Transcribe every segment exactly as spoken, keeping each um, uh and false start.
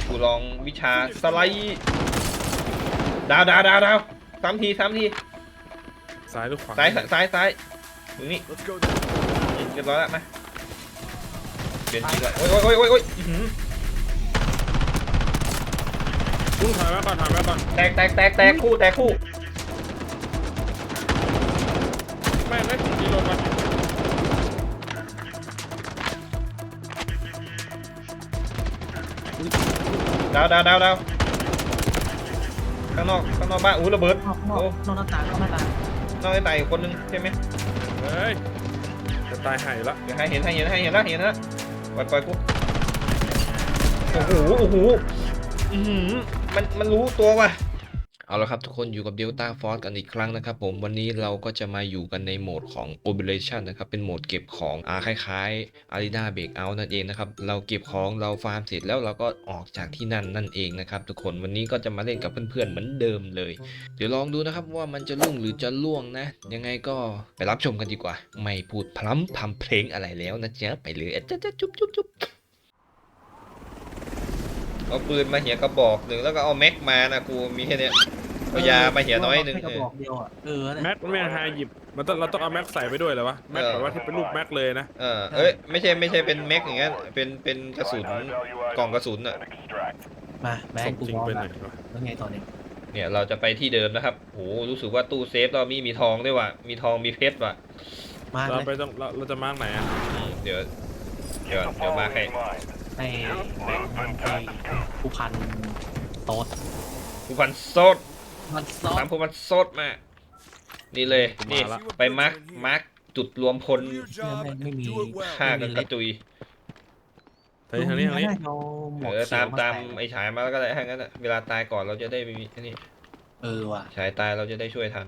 กูลองวิชาสไลด์ดาวดาวดาวดาวสามทีสามทีซ้ายหรือขวาซ้ายซ้ายซ้ายตรงนี้เรียบร้อยแล้วมาเปลี่ยนทีละโอ้ยโอ้ยโอ้ยโอ้ยคุณถอยมาก่อนถอยมาก่อนแตกแตกแตกแตกคู่แตกคู่ไม่ไม่ถึงกิโลมาดาวดาวดาวดาวข้างนอกข้างนอกบ้านอู้ระเบิดนอกนอกหน้าต่างนอกหน้าต่างนอกไอ้ตายคนนึงใช่ไหมเฮ้ยจะตายหายละเดี๋ยวให้เห็นให้เห็นให้เห็นแล้วเห็นแล้วปล่อยปล่อยกูโอ้โหโอ้โหอืมมันมันรู้ตัวว่ะเอาละครับทุกคนอยู่กับ Delta Force กันอีกครั้งนะครับผมวันนี้เราก็จะมาอยู่กันในโหมดของ Operation นะครับเป็นโหมดเก็บของอ่าคล้ายๆ Arena Breakout นั่นเองนะครับเราเก็บของเราฟาร์มเสร็จแล้วเราก็ออกจากที่นั่นนั่นเองนะครับทุกคนวันนี้ก็จะมาเล่นกับเพื่อนๆเหมือนเดิมเลยเดี๋ยวลองดูนะครับว่ามันจะลุ่งหรือจะล่วงนะยังไงก็ไปรับชมกันดีกว่าไม่พูดพล้ำทำเพลงอะไรแล้วนะจ๊ะไปเลยจ๊ะจ๊ะจุ๊บจุ๊บจุ๊บเอาปืนมาเหี่ยกระบอกหนึ่งแล้วก็เอาแม็กมานะกูมีแค่นี้เอายามาเหี่ยน้อยหนึ่งแม็กไม่หาหยิบมันต้องเราต้องเอาแม็กใส่ไปด้วยเหรอวะแม็กแบบว่าที่เป็นรูปแม็กเลยนะเออเอ้ยไม่ใช่ไม่ใช่เป็นแม็กอย่างเงี้ยเป็นเป็นกระสุนกล่องกระสุนอ่ะมาแม็กกูมองแล้วไงตอนนี้เนี่ยเราจะไปที่เดิมนะครับโหรู้สึกว่าตู้เซฟเรามีมีทองด้วยว่ะมีทองมีเพชรว่ะเราไปต้องเราเราจะมาร์กไหนอ่ะเดี๋ยวเดี๋ยวเดี๋ยวมาให้ในผู้พันโต๊ดผู้พันโซดมันโซดตามผู้พันโซดมานี่เลยนี่ไปมาร์กมาร์กจุดรวมพลไม่มีฆ่ากันกระจุยไปทางนี้ทางนี้เออตามตามไอ้ฉายมาแล้วก็ได้ทั้งนั้นเวลาตายก่อนเราจะได้ไม่มีนี่เออว่ะฉายตายเราจะได้ช่วยทัน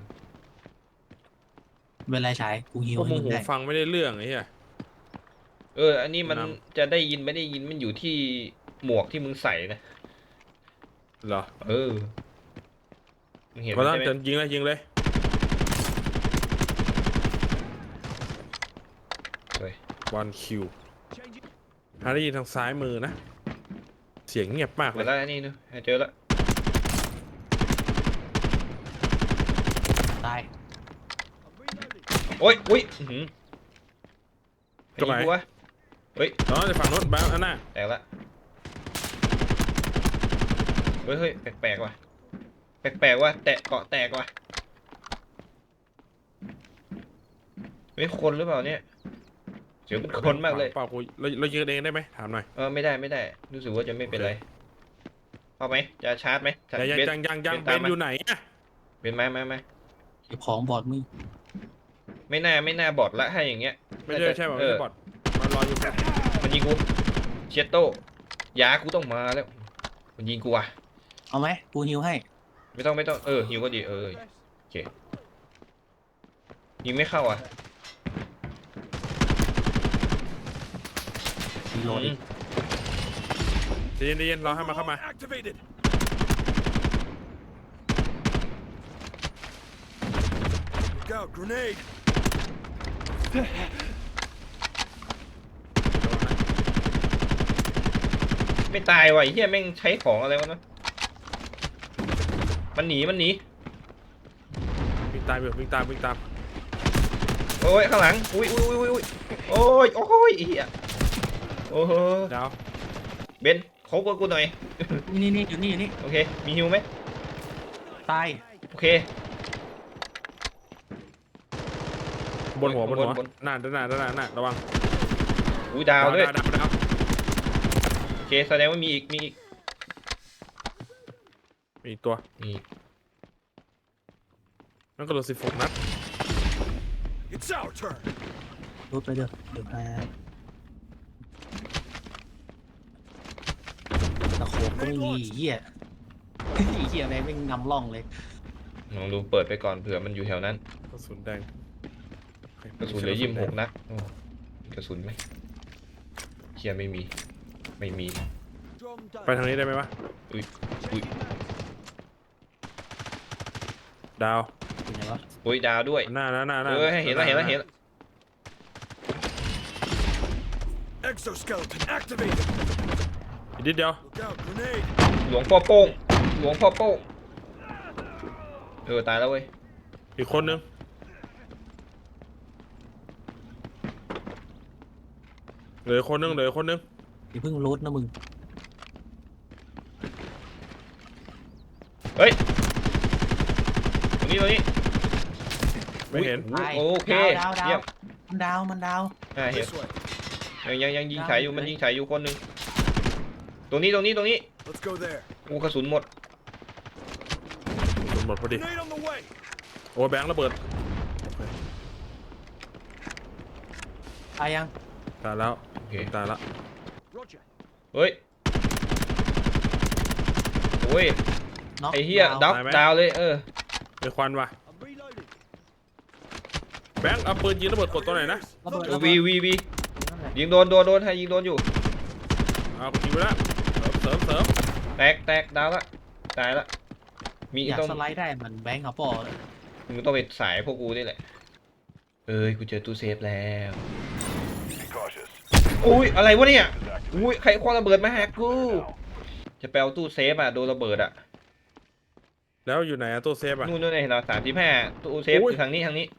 เวลาฉายกูหิวพวกมึงหูฟังไม่ได้เรื่องไอ้เหี้ยเอออันนี้มันจะได้ยินไม่ได้ยินมันอยู่ที่หมวกที่มึงใส่นะเหรอเออเห็นไหมก็ต้องจนยิงเลยยิงเลยวันคิวหาได้ยินทางซ้ายมือนะเสียงเงียบมากเลยแล้วนี่นึเจอแล้วตายโอ้ยอุ้ยตรงไหนวะเฮ้ยน้องจะฝั่งโน้นบ้างอันน่ะแตกละเฮ้ยเฮ้ยแปลกๆว่ะแปลกๆว่ะแตะเกาะแตกว่ะไม่คนหรือเปล่าเนี่ยเสียงเป็นคนมากเลยเปล่ากูเราเรายืนเองได้ไหมถามหน่อยเออไม่ได้ไม่ได้รู้สึกว่าจะไม่เป็นไรเอาไหมจะชาร์จไหมยังยังยังยังเป็นอยู่ไหนอะเป็นไหมไหมไหมของบอดมึงไม่น่าไม่น่าบอดละให้อย่างเงี้ยไม่ใช่ใช่ไม่ใช่บอดมันรออยู่มันยิงกูเชตโต้ยากูต้องมาแล้วมันยิงกูอ่ะเอาไหมกูฮิวให้ไม่ต้องไม่ต้องเออฮิวก็ดีเออโอเคยิงไม่เข้าอ่ะโหลดเย็นเย็นรอให้มาเข้ามาไม่ตายว่ะไอ้เหี้ยแม่งใช้ของอะไรวะนะมันหนีมันหนีวิ่งตามวิ่งตามวิ่งตามโอ้ยข้างหลังอุ้ยอุ้ยอุ้ยอุ้ยโอ้ยโอ้ยไอ้เหี้ยโอ้โหดาวเบนเขากดกูหน่อยนี่นี่อยู่นี่อยู่นี่โอเคมีฮิวไหมตายโอเคบนหัวบนหัวหน้าด้านหน้าด้านหน้าหน้าระวังอุ้ยดาวด้วยโอเคแสดงว่ามีอีกมีอีกมีอีกตัวมีนั่นก็โดนสิบหกนัดรูดไปเด้อเดี๋ยวมาตะโขบก็ไม่มีเหี้ยเหี้ยแม่งไม่นำร่องเลยลองดูเปิดไปก่อนเผื่อมันอยู่แถวนั้นกระสุนแดงกระสุนเหลือยี่สิบหกนัดกระสุนไหมเคียไม่มีไม่มีไปทางนี้ได้ไหมวะอุ้ยอุ้ยดาวอุ้ยดาวด้วยหน้าหน้าหน้าหน้าเออให้เห็นแล้วเห็นแล้วเห็นแล้วอีกนิดเดียวหลวงพ่อโป้งหลวงพ่อโป้งเออตายแล้วเว้ยอีกคนนึงเหลือคนนึงเหลือคนนึงอย่าเพิ่งรูดนะมึงเฮ้ยตรงนี้ตรงนี้ไม่เห็นอุ๊ยโอเคดาวดาวเยี่ยมมันดาวมันดาวอ่าเห็นยังยังยังยิงฉายอยู่มันยิงฉายอยู่คนหนึ่งตรงนี้ตรงนี้ตรงนี้ Let's go there. โอ้กระสุนหมดหมดพอดี Grenade on the way. โอ้ยแบงค์ระเบิดตายยังตายแล้วโอเคตายแล้ว Roger. เฮ้ยโอ้ยน็อกไอ้เหี้ยดาวดาวเลยเออมีควันว่ะ I'm reloading. แบงค์เอาปืนยิงระเบิดกดตัวไหนนะระเบิดเออระเบิวีดวีวีนั่นแหละยิงโดนโดนโดนให้ยิงโดนอยู่เอายิงไปแล้วเสริมเสริมแตกแตกดาวละตายละมีอยากต้องสไลด์ได้เหมือนแบงค์เขาปอเลยมึงต้องไปสายพวกกูนี่แหละเอ้ยกูเจอตู้เซฟแล้ว Be cautious. อุ้ยอะไรวะเนี่ยอุ้ยใครคว้างระเบิดมาหากูจะไปเอาตู้เซฟอ่ะโดนระเบิดอ่ะแล้วอยู่ไหนอะตู้เซฟอะนู่นนู่นเห็นเราสามสิบห้าตู้เซฟอุ้อย ยู่ทางนี้ทางนี้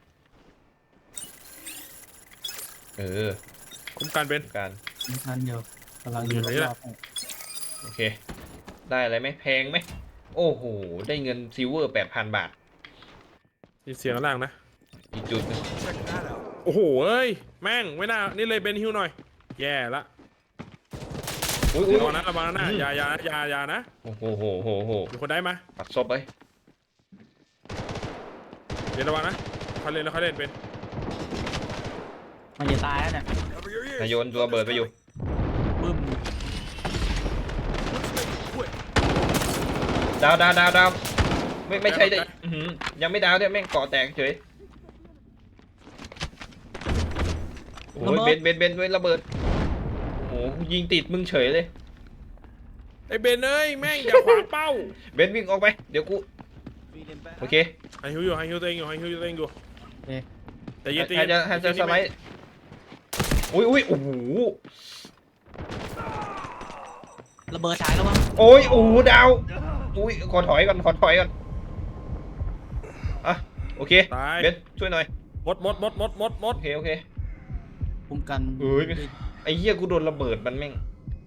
เออคุ้มกันเป็นการนั่นเดียวกำลังอยู่ไหนล่ะรอบๆให้โอเค ได้อะไรไหมแพงไหมโอ้โหได้เงินซิลเวอร์แปดพันบาทมีเสียงข้างล่างนะอีกจุดหนึง Check that out. โอ้โหเอ้ยแม่งไม่น่านี่เลยเบนฮิวหน่อยแย่ละอุ้ยอุ้ยระวังนะระวังนะอืมอย่าอย่าอย่าอย่านะโอ้โหโหโหโหมีคนได้มาปัดศพไปเดี๋ยวระวังนะเขาเล่นแล้วเขาเล่นเป็นมันจะตายแล้วเนี่ย Cover your ears. นายโยนตัวระเบิดไปอยู่บึ้ม Let's make it quick. ดาวดาวดาวดาวไม่ไม่ใช่ได้อื้อหือยังไม่ดาวด้วยแม่งเกาะแตกเฉยโอ้ยเบนเบนเบนด้วยระเบิดโอ้โหยิงติดมึงเฉยเลยไอ้เบนเอ้ยแม่งอย่าขวางเป้าเบนวิ่งออกไปเดี๋ยวกูโอเคให้ฮิวอยู่ให้ฮิวตัวเองอยู่ให้ฮิวตัวเองอยู่เอ๊ะแต่เย็นแต่ให้เย็นจะให้จะสไลด์อุ้ยอุ้ยโอ้โหระเบิดฉายแล้ววะโอ้ยโอ้โหดาวอุ้ยขอถอยก่อนขอถอยก่อนอ่ะโอเคตายเบนช่วยหน่อยหมดหมดหมดหมดหมดหมดโอเคโอเคคุ้มกันเอ้ย ไอ้เหี้ยกูโดนระเบิดมันแม่ง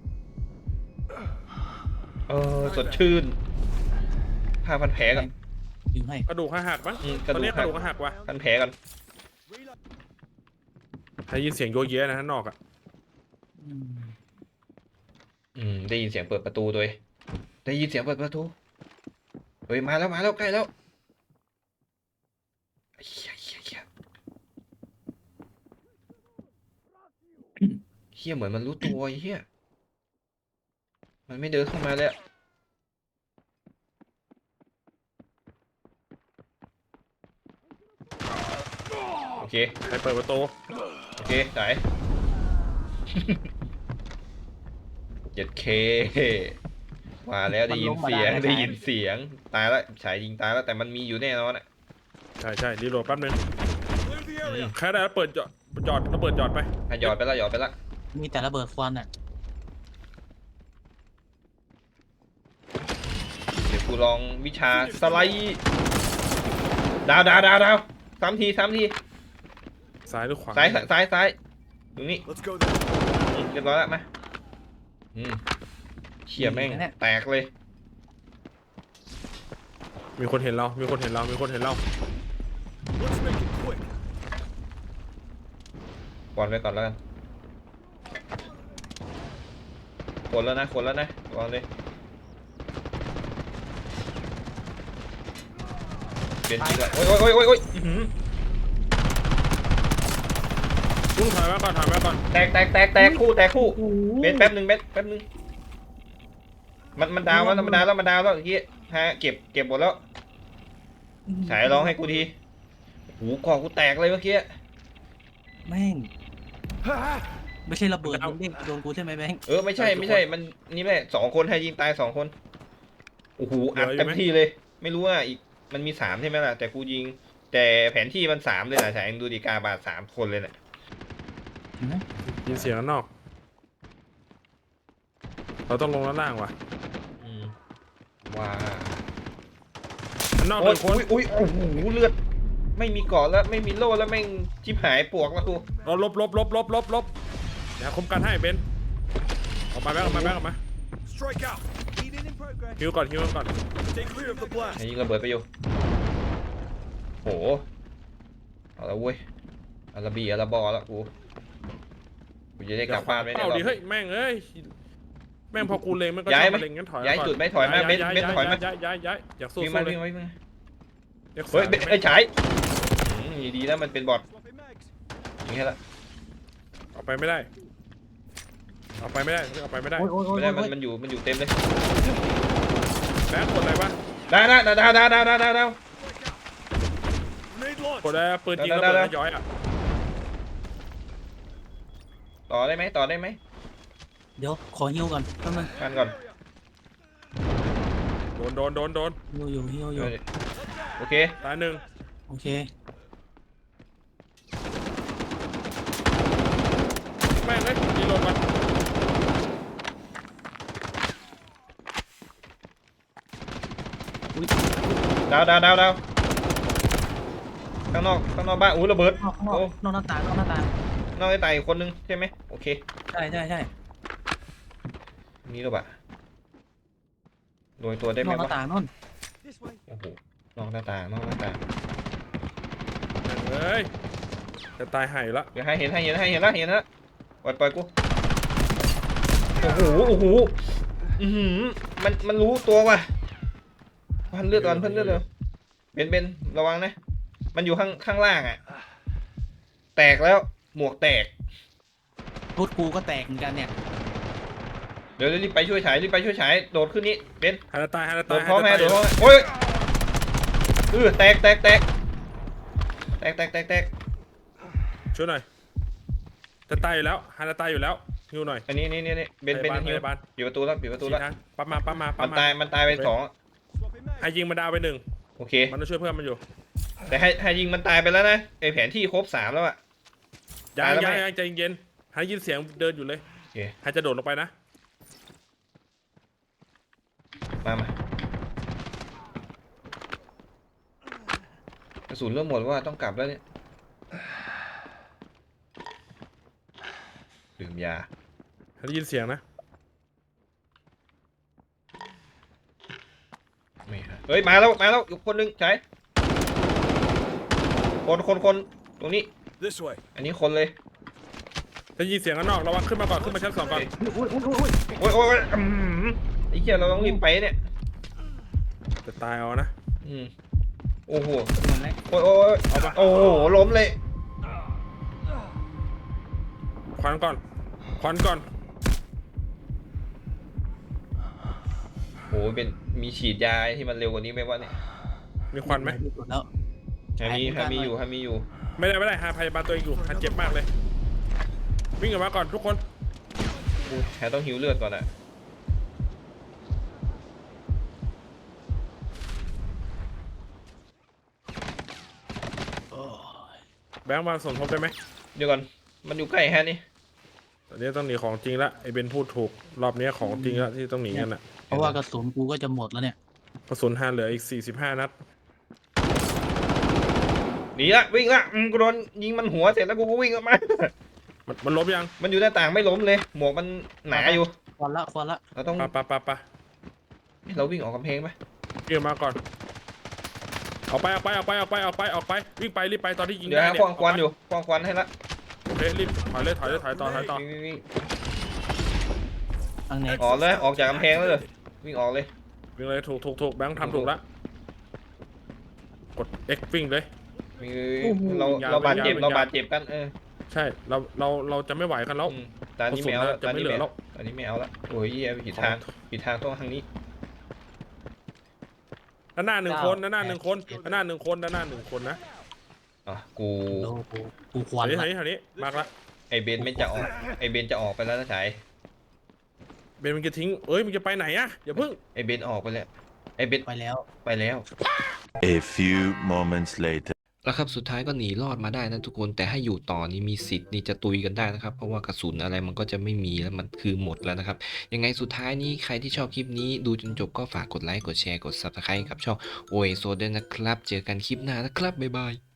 เออสดชื่นผ้าพันแผลก่อนยิงให้กระดูกหักมั้งอืมกตระอนดูนี้กกหัระกดูกหักว่ะพันแผลก่อน Reload. ได้ยินเสียงโยเยะนะข้างนอกอ่ะอืมอืมได้ยินเสียงเปิดประตูด้วยได้ยินเสียงเปิดประตูเฮ้ยมาแล้วมาแล้วใกล้แล้วเฮียเฮียเฮียเฮียเหมือนมันรู้ตัวไอ้เฮียมันไม่เดินเข้ามาเลยอะโอเคใครเปิดประตูโอเคไหน เจ็ดเคมาแล้วได้ยินเสียงได้ยินเสียงตายแล้วฉายยิงตายแล้วแต่มันมีอยู่แน่นอนอ่ะใช่ใช่รีโหลดแป๊บนึง Clear the area. ใครได้เปิดจอดจอดระเบิดจอดไปอ่ะหยอดไปละหยอดไปละมีแต่ระเบิดควันอ่ะเดี๋ยวกูลองวิชาสไลด์ดาวดาวดาวดาวสามทีสามทีซ้ายหรือขวาซ้ายซ้ายซ้ายซ้ายตรงนี้ Let's go there. อืมเรียบร้อยแล้วมาอืมเขี่ยแม่งแตกเลยมีคนเห็นเรา มีคนเห็นเรา มีคนเห็นเรา Let's make it quick. ก่อนไปก่อนแล้วกันคนแล้วนะคนแล้วนะวางเลยเปลี่ยนจริงละโอ้ยโอ้ยโอ้ยโอ้ยอื้อหือลุงถอยมาก่อนถอยมาก่อนแตกแตกแตกแตกคู่แตกคู่โอ้โหเบนแป๊บหนึ่งเบนแป๊บหนึ่งมันมันดาวแล้วมันดาวแล้วมันดาวแล้วเมื่อกี้ฮะเก็บเก็บหมดแล้วฉายร้องให้กูทีหูคอกูแตกเลยเมื่อกี้แม่ง ไม่ใช่ระเบิดมันเด้งโดนกูใช่ไหมแบงค์เออไม่ใช่ไม่ใช่มันนี่แหละสองคนให้ยิงตายสองคนโอ้โหอัดเต็มที่เลย ไม่รู้ว่าอีกมันมีสามใช่ไหมล่ะแต่กูยิง แต่แผนที่มันสามเลยนะฉายดูดีกาบาดสามคนเลยนะเห็นไหมยินเสียงข้างนอกเราต้องลงด้านล่างว่ะอืมว้านอกหโอ้ยนึ่งคนอุ้ยอุ้ยโอ้โหเลือดไม่มีเกาะแล้วไม่มีโล่แล้วแม่งชิบหายปวกแล้วกูเราลบลบลบลบลบลบเดี๋ยวคุมกันให้เบนออกมาแบงค์ออกมาแบงค์ออกมา Strike out. Healing in progress. ฮิวก่อนฮิวก่อน Stay clear of the blast. ไอ้ยิงระเบิดไปอยู่โหเอาละเว้ยอาราบีอาราบอแล้วกูกูจะได้กลับบ้านไหมเนี่ยเอาดิรอบเฮ้ยแม่งเอ้ยแม่งพอกูเล็งมันก็ย้ายชอบไหมมาเล็งงั้นถอยย้ายก่อนจุดไหมถอยมาเบนย้เบนถอยมาย้ายย้ายย้ายอยากสู้วิ่งสู้มาเลยวิ่งมาวิ่งมาเรียกเฮ้ยสามเบนไอ้ยฉายอืมดีแล้วมันเป็นบอท Swapping mags. อย่างนี้ละออกไปไม่ได้ออกไปไม่ได้ออกไปไม่ได้โอ้ยโอ้ยโอ้ยไม่ได้มันโอ้ยมันอยู่มันอยู่เต็มเลยแบงค์กดอะไรวะได้ได้ได้ได้ได้ได้ได้ได้ Grenade launch. กดอะไรปืนยิงระได้เบิดได้แล้วย้อยอ่ะต่อได้ไหมต่อได้ไหมเดี๋ยวขอฮิวก่อนแป๊บนึงกันก่อนโดนโดนโดนโดนฮิวอยู่ฮิวอยู่โอเคตายหนึ่งโอเคแม่งเอ้ยรีโหลดมาดาวดาวดาวดาวข้างนอกข้างนอกบ้านอู้ระเบิดนอกนอกโอ้นอกหน้าต่างนอกหน้าต่างนอกไอ้ตายอีกคนนึงใช่ไหมโอเคใช่ใช่ใช่นี่หรือเปล่าโดยตัวได้ไหนมอกหน้าวะต่างนู่น This way. โอ้โหนอกหน้าต่างนอกหน้าต่างแม่งเอ้ยจะตายหายละเดี๋ยวให้เห็นให้เห็นให้เห็นแล้วเห็นแล้วปล่อยปล่อยกูโอ้โหโอ้โหอือหือมันมันรู้ตัวว่ะพันเลือดก่อนพันเลือดเลยเบนเบนระวังนะมันอยู่ข้างข้างล่างอ่ะแตกแล้วหมวกแตกรถกูก็แตกเหมือนกันเนี่ยเดี๋ยวรีบไปช่วยฉายรีบไปช่วยฉายโดดขึ้นนี้เบนฮานาตายฮานาโดตายดพร้อมแม่ฮาโดนาดพร้อตาม ยแม่โอ้ยเออแตกแตกแตกแตกแตกแตกแตกช่วยหน่อยจะตายอยู่แล้วฮานาตายอยู่แล้วฮิวหน่อยอันนี้นี่นี่นี่เบนเบนพยาบาลฮิวพยาบาลปิดประตูแล้วปิดประตูแล้วชี้ทางปั๊มมาปั๊มมาปั๊มัมนมาตายมันตายไปสอง Swapping mags. ให้ยิงมาดาวไปหนึ่งโอเคมันต้องช่วยเพื่อนมันอยู่แต่ให้ให้ยิงมันตายไปแล้วนะไอแผนที่ครบสามแล้วอะยังตายแล้วยังไหมยังใจเย็นให้ยินเสียงเดินอยู่เลยโอเคให้จะโดดลงไปนะมามากระสุนเริ่มหมดว่าต้องกลับแล้วเนี่ยดื่มยาให้ได้ยินเสียงนะไม่ฮะเฮ้ยมาแล้วมาแล้วอีกคนนึงใช่คนคนคนตรงนี้ This way. อันนี้คนเลยได้ยินเสียงข้างนอกระวังขึ้นมาก่อนขึ้นมาชั้นสองก่อนอุ้ยอุ้ยอุ้ยอุ้ยโอ้ยโอ้ยอืมไอ้เหี้ยเราต้องรีบไปเนี่ยจะตายเอานะอืมโอ้โหเหมือนไรโอ้ยโอ้ยเอาปะโอ้โหล้มเลยควันก่อนควันก่อนโอ้โหเป็นมีฉีดยาที่มันเร็วกว่านี้ไหมวะเนี่ยมีควันไหมแล้วฮามีฮามีอยู่ฮามีอยู่ไม่ได้ไม่ได้หาพยาบาลตัวเองอยู่หาเจ็บมากเลย วิ่งออกมาก่อนทุกคนอุ้ยแฮต้องหิวเลือดก่อนอะโอ้ยแบงค์มาสมทบได้ไหมเดี๋ยวก่อนมันอยู่ใกล้แฮนี่ตอนนี้ต้องหนีของจริงละไอเบนพูดถูกรอบนี้ของจริงละที่ต้องหนีกันอ่ะเพราะว่ากระสุนกูก็จะหมดแล้วเนี่ยกระสุนหาเหลืออีกสี่สิบห้านัดหนีละวิ่งละอืมกูโดนยิงมันหัวเสร็จแล้วกูก็วิ่งออกมามันมันลบยังมันอยู่หน้าต่างไม่ล้มเลย หมวกมันหนาอยู่ควันละควันละเราต้องปะปะปะปะเราวิ่งออกกำแพงไหมเกี่ยวมาก่อนออกไปออกไปออกไปออกไปออกไปออกไปวิ่งไปรีบไปตอนที่ยิงเดี๋ยวได้ฮะเนี่ยควงควันอยู่ควงควันให้ละโอเครีบถอยเลยถอยเลยถอยต่อถอยต่อวิ่งวิ่งวิ่งทางไหนออกเลยออกจากกำแพงแล้วเลยวิ่งออกเลยวิ่งเลยถูกถูกถูกแบงค์ทำถูกละกด X วิ่งเลยวิ่งวิ่งวิ่งเราเราบาดเจ็บเราบาดเจ็บกันเออใช่เราเราเราจะไม่ไหวกันแล้วอืมตอนนี้ไม่เอาละกระสุนน่ะจะตอนไม่นี้เหลืไม่อแล้เอาวตอนนี้ไม่เอาละโอ้ยเหี้ยผิดทางผิดทางต้องทางนี้ด้านหน้าหนึ่งคนด้านหน้าหนึ่งคนด้านหน้าหนึ่งคนด้านหน้าหนึ่งคนนะอ่ะกูโลกูกูควันแถวละนี้แถวนี้มากละไอเบนไม่จะออกไอเบนจะออกไปแล้วนะชายเบนมันจะทิ้งเอ้ยมันจะไปไหนอะอย่าเพิ่งไอเบนออกไปแล้วไอเบนไปแล้วไปแล้ว A few moments later. แล้วครับสุดท้ายก็หนีรอดมาได้นะทุกคนแต่ให้อยู่ต่อนี่มีสิทธิ์นี่จะตุยกันได้นะครับเพราะว่ากระสุนอะไรมันก็จะไม่มีแล้วมันคือหมดแล้วนะครับยังไงสุดท้ายนี้ใครที่ชอบคลิปนี้ดูจนจบก็ฝากกดไลค์กดแชร์กด ซับสไครบ์ กับช่องโอเอโซด้วยนะครับเจอกันคลิปหน้านะครับบ๊ายบาย